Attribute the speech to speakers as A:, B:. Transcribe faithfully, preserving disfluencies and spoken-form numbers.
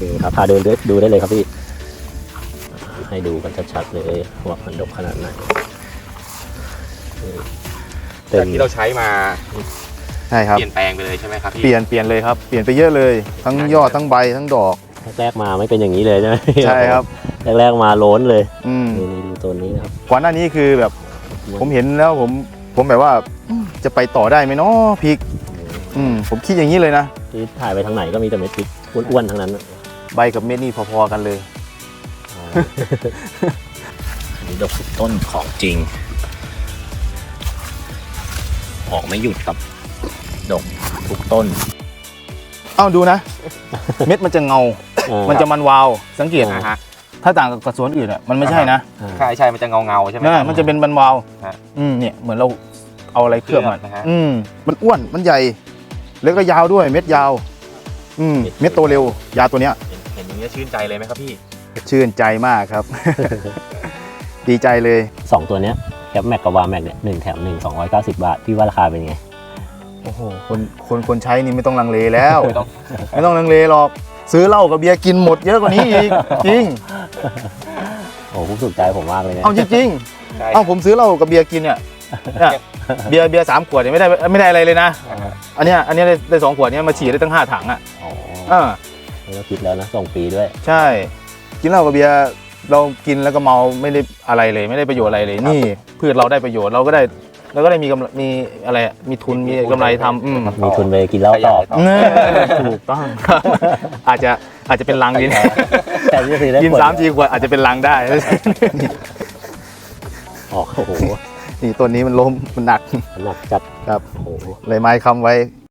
A: นี่ครับพาเดินดูได้เลยครับพี่ให้ดูกันชัดๆเลยว่ามันดกขนาดไหน
B: จากที่เราใช้มา
C: ใช่ครับ
B: เปลี่ยนแปลงไปเลยใช่ไหมครับพี่
C: เปลี่ยนเปลี่ยนเลยครับเปลี่ยนไปเยอะเลย ทั้งยอดทั้งใบทั้งดอก
A: แรกๆมาไม่เป็นอย่างนี้เลยใช่ไหม
C: ใช่ครับ
A: แรกๆมาโล้นเลย
C: อืม
A: นี่ดูตัวนี้นะครับ
C: ก่อนหน้านี้คือแบบผมเห็นแล้วผมผมแบบว่าจะไปต่อได้ไหมเนาะพริกอืมผมคิดอย่างนี้เลยนะ
A: ที่ถ่ายไปทางไหนก็มีแต่เม็ดพริกอ้วนๆทั้งนั้น
C: ใบกับเม็ดนี่พอๆกันเลย
A: อันนี้ดกทุกต้นของจริงออกไม่หยุดครับดกทุกต้น
C: เอ้าดูนะ เม็ดมันจะเงา มันจะมันวาวสังเกต
B: นะฮะ
C: ถ้าต่างกับสวนอื่นอ่ะมันไม่ใช่นะ
B: ใช่ใช่มันจะเงาเงาๆใช่ไหม
C: นะมันจะเป็นมันวาว
B: ฮะ
C: อืมเนี่ยเหมือนเราเอาอะไรเคลือบมัน
B: เคลือบนะฮะ
C: อืมมันอ้วนมันใหญ่แล้วก็ยาวด้วยเม็ดยาว อืมเม็ดโตเร็วยาตัวเนี้ย
B: เห็นอย่างนี้ชื่นใจเลยไหมครับพี่
C: ชื่นใจมากครับ ดีใจเลย
A: สองตัวเนี้ยแคปแม็กกับวาแม็กเนี่ยหนึ่งแถมหนึ่งสองร้อยเก้าสิบบาทพี่ว่าราคาเป็นไง
C: โอ้โหคนคนคนใช้นี่ไม่ต้องลังเลแล้ว
B: ไม่ต้อง
C: ไม่ต้องลังเลหรอกซื้อเหล้ากับเบียร์กินหมดเยอะกว่านี้อีกจริง
A: โอ้ผมสุขใจผมมากเลยเนี่ย
C: เอาจริง
B: ใช่
C: ๆเอาผมซื้อเหล้ากับเบียร์กินเนี่ยเนี่ยเบียร์เบียร์สามขวดเนี่ยไม่ได้ไม่ได้อะไรเลยนะ
B: อ่าฮะ
C: อันเนี้ยอันเนี้ยได้ได้สองขวดเนี้ยมาฉีดได้ตั้งห้าถังอ่ะ
A: อ๋อ
C: อ่า
A: ไม่ต้องคิดแล้วนะส่งฟรีด้วย
C: ใช่ กินเหล้ากับเบียร์เรากินแล้วก็เมาไม่ได้อะไรเลยไม่ได้ประโยชน์อะไรเลยนี่พืชเราได้ประโยชน์เราก็ได้เราก็ได้มีกำไรมีอะไรอะมีทุนมีกำไรทำอืม
A: มีทุนไปกินเหล้าต่อ
C: เออถูกต้อง อาจจะอาจจะเป็นลังดีนะ
A: แต่ที่จะซื้อได้
C: กิน
A: ขวด
C: สามสี่ขวดอาจจะเป็นลังได้
A: อ๋อโอ้โห
C: นี่ต้นนี้มันล้มมันหนัก
A: หนักจัด
C: ครับ
A: โอ้โห
C: เลยไม้ค้ำไว้